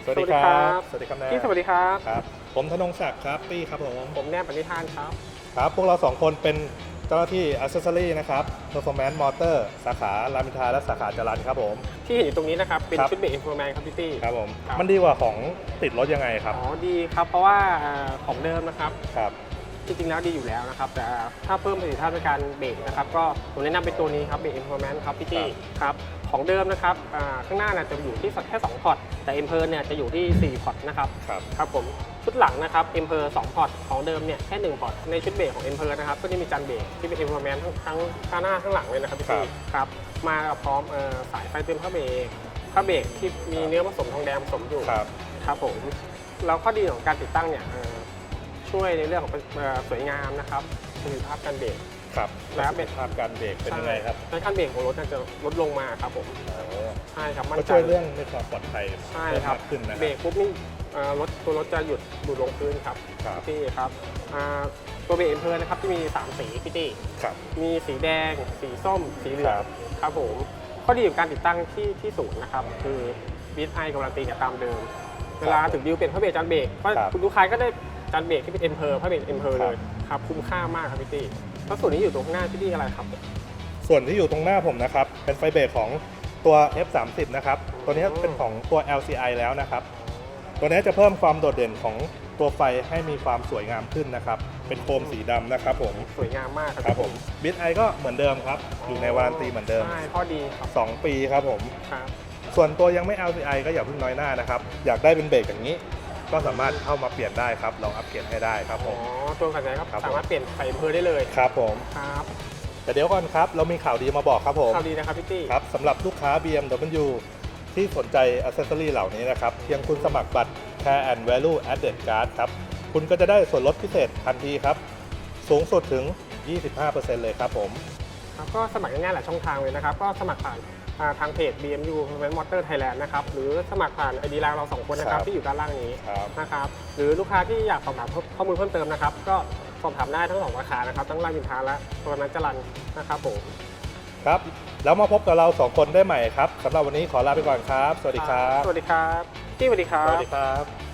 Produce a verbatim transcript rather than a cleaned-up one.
สวัสดีครับสวัสดีครับแนนพี่สวัสดีครับครับผมธนงศักดิ์ครับตี้ครับผมผมแนบปณิธานครับครับพวกเราสองคนเป็นเจ้าหน้าที่ Accessory นะครับ Performance Motor สาขารามอินทราและสาขาจรัญครับผมที่เห็นอยู่ตรงนี้นะครับเป็นครับชุดเบรกอินโฟแมนครับพี่ตี้ครับผมครับมันดีกว่าของติดรถยังไงครับอ๋อดีครับเพราะว่าเอ่อของเดิมนะครับครับจริงๆแล้วดีอยู่แล้วนะครับแต่ถ้าเพิ่มประสิทธิภาพในการเบรกนะครับก็ผมแนะนำเป็นตัวนี้ครับเบรกอินโฟแมนครับพี่ตี้ครับของเดิมนะครับอ่าข้างหน้าเนี่ยจะอยู่ที่แค่สองพอร์ตแต่เอ็มเพร์เนี่ยจะอยู่ที่สี่พอร์ตนะครับครับครับผมชุดหลังนะครับเอ็มเพร์สองพอร์ตของเดิมเนี่ยแค่หนึ่งพอร์ตในชุดเบรกของเอ็มเพร์นะครับก็จะมีจานเบรกที่เป็นอินโฟแมนทั้งทั้งข้างหน้าข้างหลังเลยนะครับพี่ตี้ครับมากับพร้อมเอ่อสายไฟเตือนผ้าเบรกผ้าเบรกที่มีเนื้อผสมทองแดงผสมอยู่ครับครับผมแล้วข้อดีของการติดตั้งเนี่ยเอ่อช่วยในเรื่องของเอ่อสวยงามนะครับประสิทธิภาพการเบรกครับแล้วเป็เป็น นภาพการเบรกเป็นยังไงครับในขั้นเบรกของรถน่าจะลดลงมาครับผมใช่ครับมั่นก็ใจช่วยเรื่องในความปลอดภัยใช่คเพิ่มรับมากขึ้นนะคเบรรับกปุ๊บนี่เอ่อรถตัวรถจะหยุดดูดลงพื้นครับครับพี่ครับอ่าตัวเบรกเอ็มเพลนะครับที่มีสามสีพี่ตี้ครับมีสีแดง สีส้ม สีเหลือครังบครับผมข้อดีของการติดตั้งที่ที่ศูนย์นะครับคือบีทไอการันตีกับตามเดิม เวลาถึงดิวเปลี่ยนผ้าเบรกจานเบรกก็ครับคุณลูกค้าก็ได้จานเบรกที่เป็นเอ็มเพลผ้าเบรกเอ็มเพลครับเลยครับคุ้มค่ามากครับพี่ตี้แล้วส่วนนี้อยู่ตรงข้างหน้าพี่ตี้อะไรครับส่วนที่อยู่ตรงหน้าผมนะครับเป็นไฟเบรกของตัว เอฟ สามสิบ นะครับตัวนี้เป็นของตัว แอล ซี ไอ แล้วนะครับตัวนี้จะเพิ่มความโดดเด่นของตัวไฟให้มีความสวยงามขึ้นนะครับเป็นโคมสีดำนะครับผมสวยงามมากครับครับผมบิทไอก็เหมือนเดิมครับอยู่ในวารันตีเหมือนเดิมใช่ข้อดีครับสองปีครับผมครับส่วนตัวยังไม่ แอล ซี ไอ ก็อย่าเพิ่งน้อยหน้านะครับอยากได้เป็นเบรกอย่างนี้ ก็สามารถเข้ามาเปลี่ยนได้ครับลองอัปเกรดให้ได้ครับผอ๋อมตัวกันไหนครับครับผมสามารถเปลี่ยนใส่เอ็มเพลได้เลยครับผมครับแต่เดี๋ยวก่อนครับเรามีข่าวดีมาบอกครับผมข่าวดีนะครับพี่ตี้ครับสำหรับลูกค้า บี เอ็ม ดับเบิลยู ที่สนใจอ c เซสซอรี่เหล่านี้นะครับเพียงคุณสมัครบัตร Care and Value Added Card ครับคุณก็จะได้ส่วนลดพิเศษทันทีครับสูงสุดถึง ยี่สิบห้าเปอร์เซ็นต์ เลยครับผมครับก็สมัครง่ายๆหลายช่องทางเลยนะครับก็สมัครผ่านอ่าทางเพจ บี เอ็ม ยู Performance Motor Thailand นะครับหรือสมัครผ่าน ไอ ดี ไลน์ เราสองคนนะครัครับบที่อยู่ด้านล่างนี้ครับนะครับหรือลูกค้าที่อยากสอบถามข้อมูลเพิ่มเติมนะครับก็สอบถามได้ทั้งสองราคานะครับทั้งรามอินทราและตัวนั้นจรัญนะครับผมครับแล้วมาพบกับเราสองคนได้ใหม่ครับสำหรับวันนี้ขอลาไปก่อนครับ สวัสดีครับสวัสดีครับพี่สวัสดีครัสบวัสดีครับ